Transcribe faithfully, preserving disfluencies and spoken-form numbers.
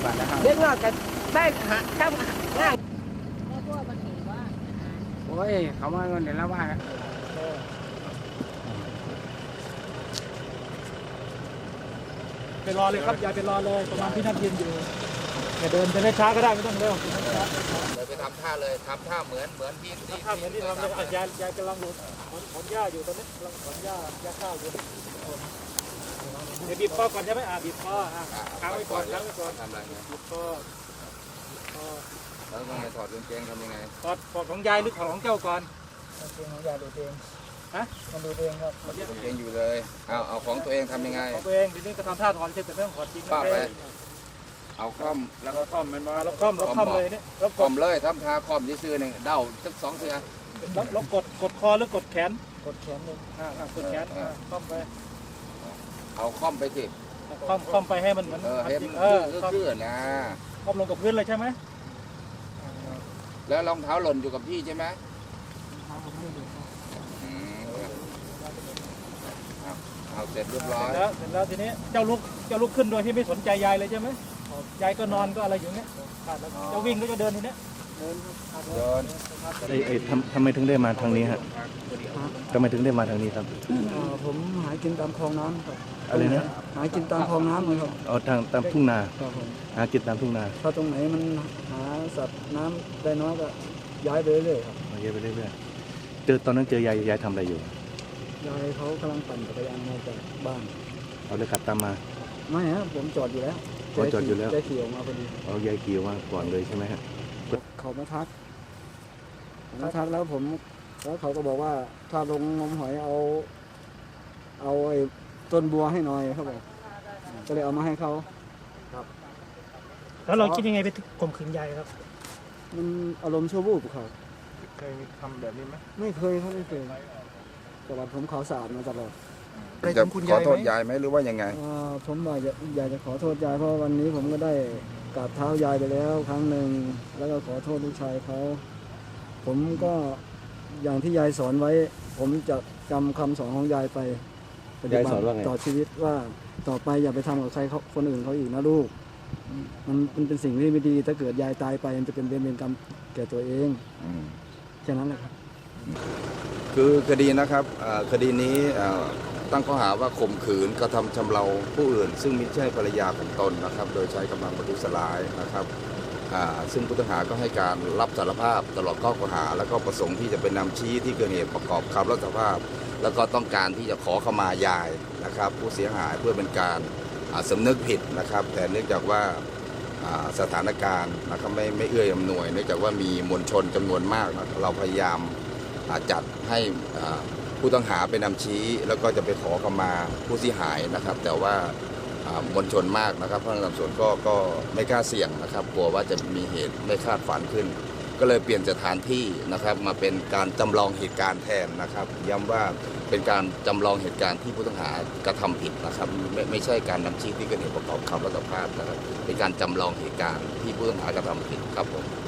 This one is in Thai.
บาทนะครับเด็กน้อยก็ได้หาทำงานโอ้ยเขามาเงินเดี๋ยวละว่าไปรอเลยครับยายไปรอเลยประมาณที่นั่นยืนอยู่อย่าเดินจะได้ช้าก็ได้ไม่ต้องเร็วเลยไปทำท่าเลยทำท่าเหมือนเหมือนที่ที่ท่าเหมือนที่ทำเลยยายยายกำลังดูขนหญ้าอยู่ตอนนี้กำลังขนหญ้าหญ้าข้าวอยู่เดี๋ยวบีบคอก่อนใช่ไหมอ่าบีบคออ่าค้างไว้ก่อนค้างไว้ก่อนทำอะไรเนี่ยบีบคอคอแล้วต้องถอดกางเกงทำยังไงถอดถอดของยายหรือถอดของเจ้าก่อนกางเกงของยายดูเองฮะมันดูเองครับกางเกงอยู่เลยเอาเอาของตัวเองทำยังไงของตัวเองทีนี้ก็ทำท่าถอนเช่นแต่ไม่ต้องถอดจริงป้าไปเอาคอมแล้วก็คอมมันมาแล้วคอมแล้วคอมเลยเนี่ยแล้วคอมเลยทำท่าคอมที่ซื้อหนึ่งเด้าสักสองเสือแล้วกดกดคอหรือกดแขนกดแขนเลยอ่ากดแขนคอมไปเอาคอมไปสิคอมคอมไปให้มันเหมือนเออให้มันคือนะคอมลงกับพื้นเลยใช่ไหมแล้วรองเท้าหล่นอยู่กับพี่ใช่ไหมเอาเสร็จเรียบร้อยแล้วเสร็จแล้วทีนี้เจ้าลุกเจ้าลุกขึ้นโดยที่ไม่สนใจยายเลยใช่ไหมยายก็นอนก็อะไรอยู่เนี้ยเจ้าวิ่งก็จะเดินทีเนี้ยเดินไอ้ไอ้ทำทำไมถึงได้มาทางนี้ฮะทำไมถึงได้มาทางนี้ครับผมหากินตามคลองน้ำครับอะไรนะหากินตามคลองน้ำเลยครับเอาทางตามทุ่งนาหากินตามทุ่งนาถ้าตรงไหนมันหาสัตว์น้ำได้น้อยก็ย้ายไปเรื่อยๆครับย้ายไปเรื่อยๆเจอตอนนั้นเจอยายยายทำอะไรอยู่ยายเขากำลังปั่นจักรยานมาจากบ้านเอาเลยขับตามมาไม่ฮะผมจอดอยู่แล้วจอดอยู่แล้วยายขี่ออกมาพอดีเอายายขี่ออกมาก่อนเลยใช่ไหมฮะเขามาทักมาทักแล้วผมแล้วเขาก็บอกว่าถ้าลงงมหอยเอาเอาไอ้ต้นบัวให้หน่อยเขาบอกก็เลยเอามาให้เขาครับแล้วเราคิดยังไงไปข่มขืนยายครับมันอารมณ์ชั่ววูบเขาเคยทำแบบนี้ไหมไม่เคยเขาไม่เคยแต่ว่าผมเขาสะอาดมาตลอดจะขอโทษยายไหมหรือว่ายังไงผมว่าอยากจะขอโทษยายเพราะวันนี้ผมก็ได้กราบเท้ายายไปแล้วครั้งหนึ่งแล้วก็ขอโทษลูกชายเขาผมก็อย่างที่ยายสอนไว้ผมจะจำคำสอนของยายไปปฏิบัติต่อชีวิตว่าต่อไปอย่าไปทำกับใครคนอื่นเขาอีกนะลูกมันมันเป็นสิ่งที่ไม่ดีถ้าเกิดยายตายไปมันจะเป็นเวรเป็นกรรมแก่ตัวเองแค่นั้นแหละครับคือคดีนะครับคดีนี้ตั้งข้อหาว่าข่มขืนกระทำชำเราผู้อื่นซึ่งไม่ใช่ภรรยาของตนนะครับโดยใช้กำลังประทุษร้ายนะครับซึ่งผู้ต้องหาก็ให้การรับสารภาพตลอดข้อกล่าวหาแล้วก็ประสงค์ที่จะเป็นนำชี้ที่เกิดเหตุประกอบคำรับสารภาพแล้วก็ต้องการที่จะขอขมายายนะครับผู้เสียหายเพื่อเป็นการสำนึกผิดนะครับแต่เนื่องจากว่าสถานการณ์นะครับไม่ไม่เอื้ออำนวยเนื่องจากว่ามีมวลชนจำนวนมากนะเราพยายามจัดให้ผู้ต้องหาไปนำชี้แล้วก็จะไปขอขมาผู้เสียหายนะครับแต่ว่ามวลชนมากนะครับพนักงานสอบสวนก็ก็ไม่กล้าเสี่ยงนะครับกลัวว่าจะมีเหตุไม่คาดฝันขึ้นก็เลยเปลี่ยนสถานที่นะครับมาเป็นการจำลองเหตุการณ์แทนนะครับย้ำว่าเป็นการจำลองเหตุการณ์ที่ผู้ต้องหากระทำผิดนะครับไม่ไม่ใช่การนำชี้ที่เกิดเหตุประกอบคำรับสารภาพนะครับเป็นการจำลองเหตุการณ์ที่ผู้ต้องหากระทำผิดครับผม